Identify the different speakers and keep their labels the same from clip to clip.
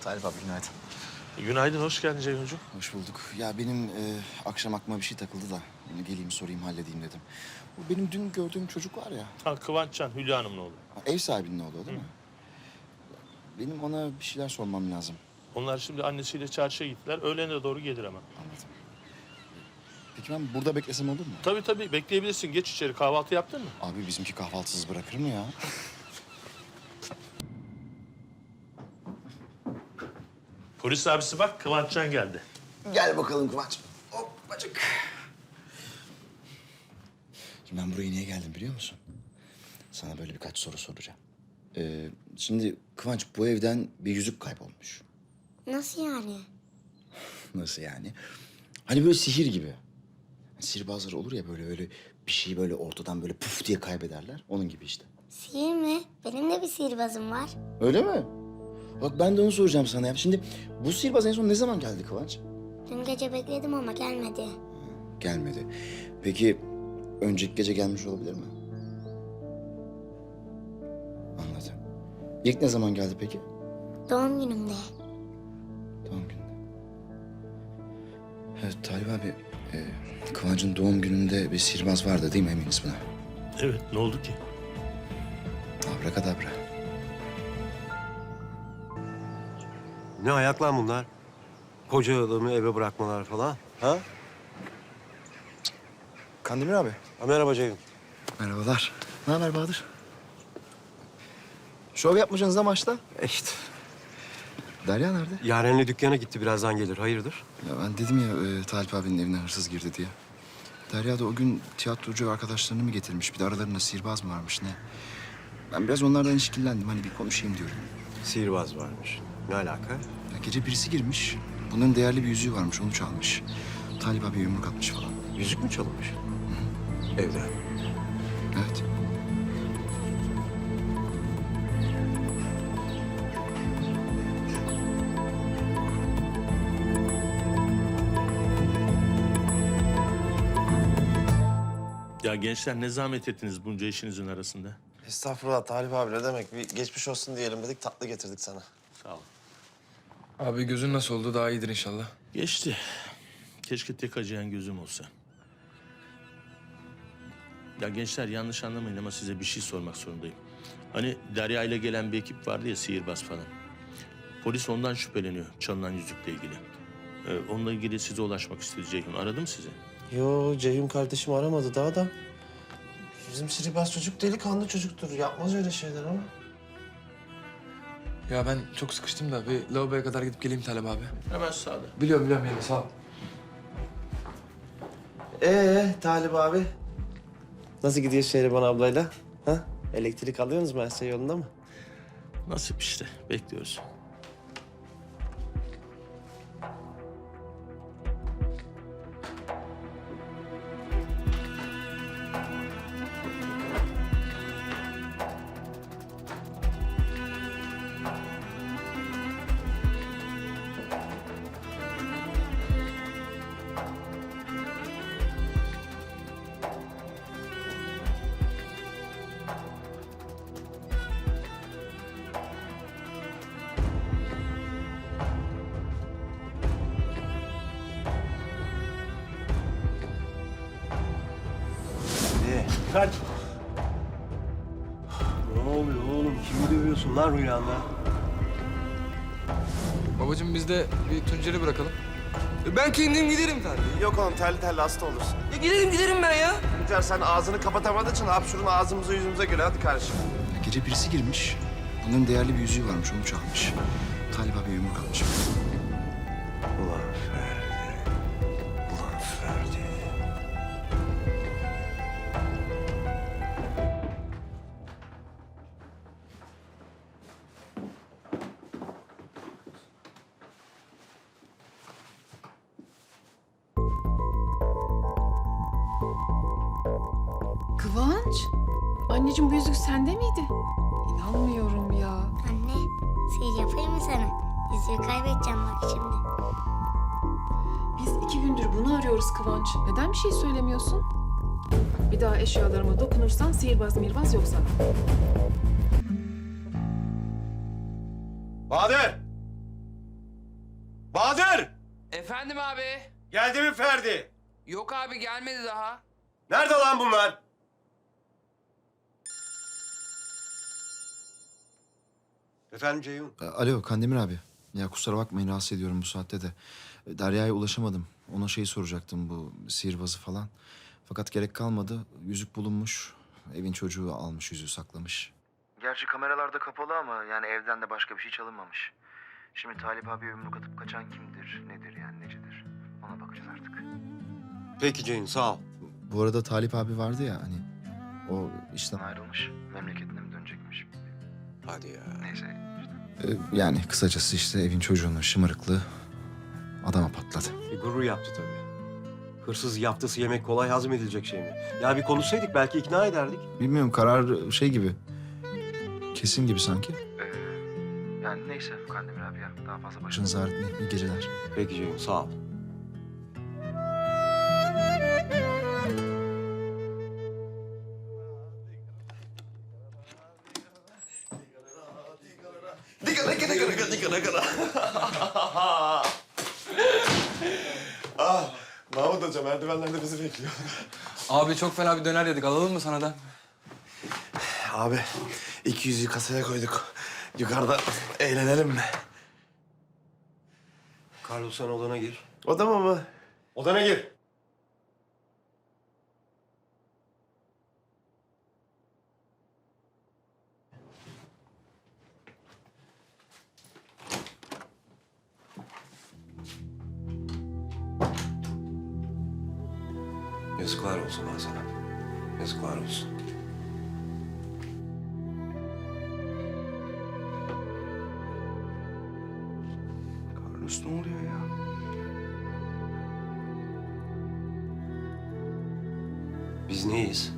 Speaker 1: Talip abi günaydın.
Speaker 2: Günaydın, hoş geldin Ceyhuncuğum.
Speaker 1: Hoş bulduk. Ya benim akşam aklıma bir şey takıldı da onu geleyim sorayım halledeyim dedim. Bu benim dün gördüğüm çocuk var ya.
Speaker 2: Ha, Kıvançcan, Hülya Hanım'ın oğlu.
Speaker 1: Ev sahibinin oğlu değil mi? Benim ona bir şeyler sormam lazım.
Speaker 2: Onlar şimdi annesiyle çarşıya gittiler. Öğlene doğru gelir hemen.
Speaker 1: Anladım. Peki ben burada beklesem olur mu?
Speaker 2: Tabii tabii, bekleyebilirsin. Geç içeri. Kahvaltı yaptın mı?
Speaker 1: Abi bizimki kahvaltısız bırakır mı ya?
Speaker 2: Polis abisi bak, Kıvançcan geldi.
Speaker 1: Gel bakalım Kıvanç. Hoppacık. Şimdi ben buraya niye geldim biliyor musun? Sana böyle birkaç soru soracağım. Şimdi Kıvanç bu evden bir yüzük kaybolmuş.
Speaker 3: Nasıl yani?
Speaker 1: Nasıl yani? Hani böyle sihir gibi. Sihirbazlar olur ya böyle bir şeyi böyle ortadan böyle puf diye kaybederler. Onun gibi işte.
Speaker 3: Sihir mi? Benim de bir sihirbazım var.
Speaker 1: Öyle mi? Bak ben de onu soracağım sana ya. Şimdi bu sihirbaz en son ne zaman geldi Kıvanç?
Speaker 3: Dün gece bekledim ama gelmedi.
Speaker 1: Gelmedi. Peki önceki gece gelmiş olabilir mi? Anladım. İlk ne zaman geldi peki?
Speaker 3: Doğum günümde.
Speaker 1: Doğum gününde. Evet Talip abi, Kıvanç'ın doğum gününde bir sihirbaz vardı değil mi eminiz buna?
Speaker 2: Evet, ne oldu ki?
Speaker 1: Abrakadabra.
Speaker 4: Ne ayak lan bunlar? Koca adamı eve bırakmalar falan. Ha?
Speaker 1: Kandemir abi.
Speaker 4: Ha, merhaba Ceyhun.
Speaker 1: Merhabalar. Ne haber Bahadır? Şov yapmayacaksınız da maçta.
Speaker 4: İşte.
Speaker 1: Derya nerede?
Speaker 4: Yaren'le dükkana gitti, birazdan gelir. Hayırdır?
Speaker 1: Ya ben dedim ya Talip abinin evine hırsız girdi diye. Derya da o gün tiyatrocu arkadaşlarını mı getirmiş? Bir de aralarında sihirbaz mı varmış ne? Ben biraz onlardan işkillendim. Hani bir konuşayım diyorum.
Speaker 4: Sihirbaz varmış. Ne alaka?
Speaker 1: Ya gece birisi girmiş. Bunların değerli bir yüzüğü varmış. Onu çalmış. Talip abi yumruk atmış falan.
Speaker 4: Yüzük mü çalınmış? Evde.
Speaker 1: Evet.
Speaker 2: Ya gençler, ne zahmet ettiniz bunca işinizin arasında?
Speaker 5: Estağfurullah Talip abi ne demek? Bir geçmiş olsun diyelim dedik, tatlı getirdik sana.
Speaker 2: Sağ ol.
Speaker 6: Abi gözün nasıl oldu? Daha iyidir inşallah.
Speaker 2: Geçti. Keşke tek acıyan gözüm olsa. Ya gençler, yanlış anlamayın ama size bir şey sormak zorundayım. Hani Derya ile gelen bir ekip vardı ya, sihirbaz falan. Polis ondan şüpheleniyor, çalınan yüzükle ilgili. Onunla ilgili size ulaşmak istedi Ceyhun. Aradım sizi.
Speaker 5: Yo, Ceyhun kardeşim aramadı daha da. Bizim sihirbaz çocuk delikanlı çocuktur. Yapmaz öyle şeyler ama.
Speaker 6: Ya ben çok sıkıştım da bir lavaboya kadar gidip geleyim Talep abi.
Speaker 2: Hemen sağda.
Speaker 6: Biliyorum yani sağ ol.
Speaker 5: Talip abi? Nasıl gidiyor Şehriban ablayla? Ha? Elektrik alıyorsunuz mu? Her şey yolunda mı?
Speaker 2: Nasip işte, bekliyoruz.
Speaker 4: Kaç. Ne oluyor oğlum? Kimi dövüyorsun lan rüyanda?
Speaker 6: Babacığım biz de bir Tuncer'i bırakalım. Ben kendim giderim tabii.
Speaker 5: Yok oğlum, terli lastik olursun.
Speaker 6: Giderim ben ya.
Speaker 5: Tuncer sen ağzını kapatamadığın için hapşurun ağzımıza yüzümüze göre. Hadi kardeşim.
Speaker 1: Ya gece birisi girmiş. Bunların değerli bir yüzüğü varmış. Onu çalmış. Talip abi yumruk atmış.
Speaker 4: Ulan Ferdi. Ulan Ferdi.
Speaker 7: Kıvanç? Anneciğim bu yüzük sende miydi? İnanmıyorum ya.
Speaker 3: Anne, sihir yapayım mı sana? Yüzüğü kaybedeceğim bak şimdi.
Speaker 7: Biz 2 gündür bunu arıyoruz Kıvanç. Neden bir şey söylemiyorsun? Bir daha eşyalarıma dokunursan sihirbaz mirbaz yok sana.
Speaker 5: Bahadır!
Speaker 8: Efendim abi.
Speaker 4: Geldi mi Ferdi?
Speaker 8: Yok abi gelmedi daha.
Speaker 4: Nerede lan bunlar? Efendim Ceyhun?
Speaker 1: Alo Kandemir abi. Ya kusura bakmayın rahatsız ediyorum bu saatte de. Derya'ya ulaşamadım. Ona şeyi soracaktım bu sihirbazı falan. Fakat gerek kalmadı. Yüzük bulunmuş. Evin çocuğu almış yüzüğü saklamış. Gerçi kameralarda kapalı ama yani evden de başka bir şey çalınmamış. Şimdi Talip abi yumruk atıp kaçan kimdir, nedir yani necedir? Ona bakacağız artık.
Speaker 4: Peki Ceyhun sağ ol.
Speaker 1: Bu arada Talip abi vardı ya hani o işten ayrılmış. Memleketine mi dönecekmiş?
Speaker 4: Hadi ya.
Speaker 1: Neyse yani kısacası işte evin çocuğunun şımarıklığı adama patladı.
Speaker 4: Gurur yaptı tabii. Hırsız yaptısı yemek kolay hazmedilecek şey mi? Ya bir konuşsaydık belki ikna ederdik.
Speaker 1: Bilmiyorum karar şey gibi. Kesin gibi sanki. Yani neyse Kandemir abi ya. Daha fazla başınız ağrıtmayın. İyi geceler.
Speaker 4: Peki Ceyhun sağ ol.
Speaker 5: Mahmut Hoca merdivenlerde bizi bekliyor.
Speaker 6: Abi çok fena bir döner yedik. Alalım mı sana da?
Speaker 5: Abi 200'ü kasaya koyduk. Yukarıda eğlenelim mi?
Speaker 4: Carlos sen odana gir.
Speaker 5: Odama mı?
Speaker 4: Odana gir. Yazıklar olsun lan sana. Yazıklar olsun.
Speaker 1: Carlos ne oluyor ya?
Speaker 4: Biz neyiz?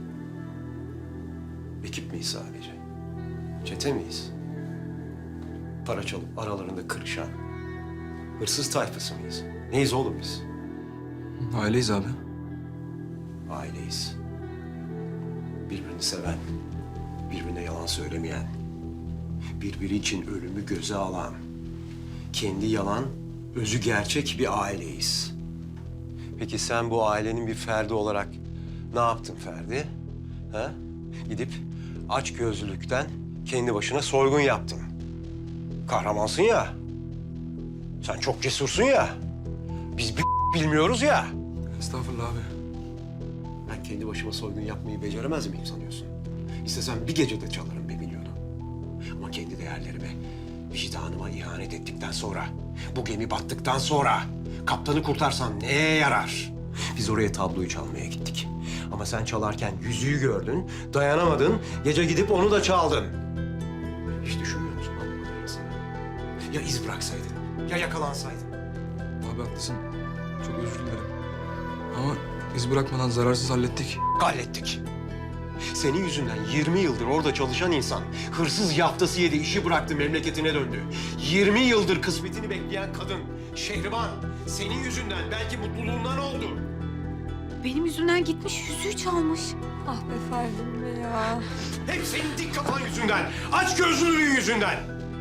Speaker 4: Ekip miyiz sadece? Çete miyiz? Para çalıp aralarında kırışan, hırsız tayfası mıyız? Neyiz oğlum biz?
Speaker 6: Aileyiz abi.
Speaker 4: Aileyiz. Birbirini seven, birbirine yalan söylemeyen, birbiri için ölümü göze alan, kendi yalan, özü gerçek bir aileyiz. Peki sen bu ailenin bir ferdi olarak ne yaptın Ferdi? Ha? Gidip açgözlülükten kendi başına soygun yaptın. Kahramansın ya. Sen çok cesursun ya. Biz bir bilmiyoruz ya.
Speaker 6: Estağfurullah abi.
Speaker 4: Ben kendi başıma soygun yapmayı beceremez miyim sanıyorsun? İstesem bir gecede çalarım 1 milyonu. Ama kendi değerlerime, vicdanıma ihanet ettikten sonra, bu gemi battıktan sonra kaptanı kurtarsam neye yarar? Biz oraya tabloyu çalmaya gittik. Ama sen çalarken yüzüğü gördün, dayanamadın, gece gidip onu da çaldın. Hiç düşünmüyor musun lan bu kadarını sana? Ya iz bıraksaydın, ya yakalansaydın?
Speaker 6: Abi haklısın. Çok özür dilerim. Ama iz bırakmadan zararsız hallettik.
Speaker 4: Hallettik. Senin yüzünden 20 yıldır orada çalışan insan hırsız yaftası yedi, işi bıraktı, memleketine döndü. 20 yıldır kısmetini bekleyen kadın Şehriban senin yüzünden belki mutluluğundan oldu.
Speaker 9: Benim yüzümden gitmiş, yüzüğü çalmış. Ah be Ferdim be ya.
Speaker 4: Hep senin dik kafan yüzünden, açgözlülüğün yüzünden.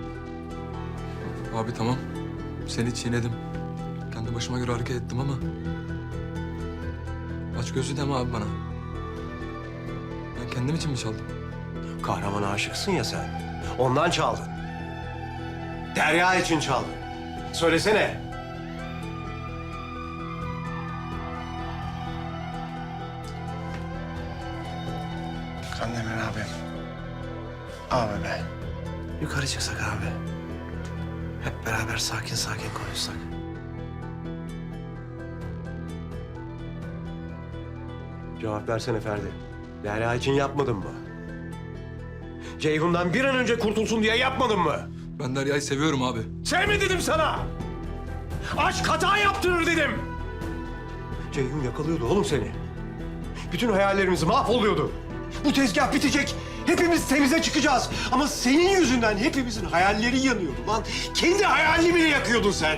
Speaker 6: Abi tamam. Seni çiğnedim. Kendi başıma göre hareket ettim ama... Aç gözlü deme abi bana. Ben kendim için mi çaldım?
Speaker 4: Kahramana aşıksın ya sen. Ondan çaldın. Derya için çaldın. Söylesene.
Speaker 5: Kandemir abi. Abi be. Yukarı çıksak abi. Hep beraber sakin sakin konuşsak.
Speaker 4: Cevap versene Ferdi. Derya için yapmadın mı? Ceyhun'dan bir an önce kurtulsun diye yapmadın mı?
Speaker 6: Ben Derya'yı seviyorum abi.
Speaker 4: Sevme dedim sana. Aşk hata yaptırır dedim. Ceyhun yakalıyordu oğlum seni. Bütün hayallerimiz mahvoluyordu. Bu tezgah bitecek. Hepimiz temize çıkacağız. Ama senin yüzünden hepimizin hayalleri yanıyordu lan. Kendi hayalini bile yakıyordun sen.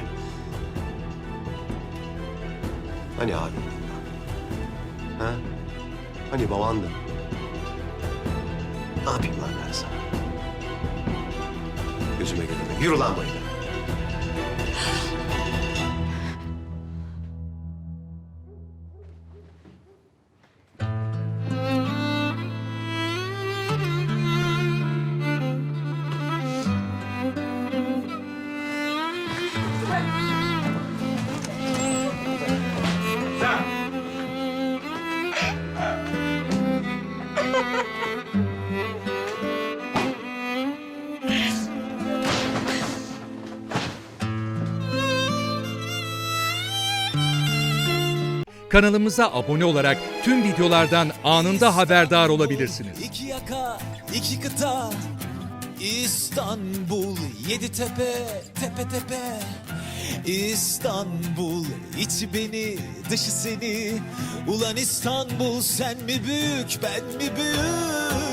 Speaker 4: Hani abi? Ha? Hani babandın? Ne yapayım lan ben sana? Gözüme görünme. Yürü lan bayıla.
Speaker 10: Kanalımıza abone olarak tüm videolardan anında haberdar olabilirsiniz.
Speaker 11: İki yaka, iki kıta, İstanbul, yedi tepe, tepe tepe. İstanbul, içi beni, dışı seni. Ulan İstanbul, sen mi büyük, ben mi büyük?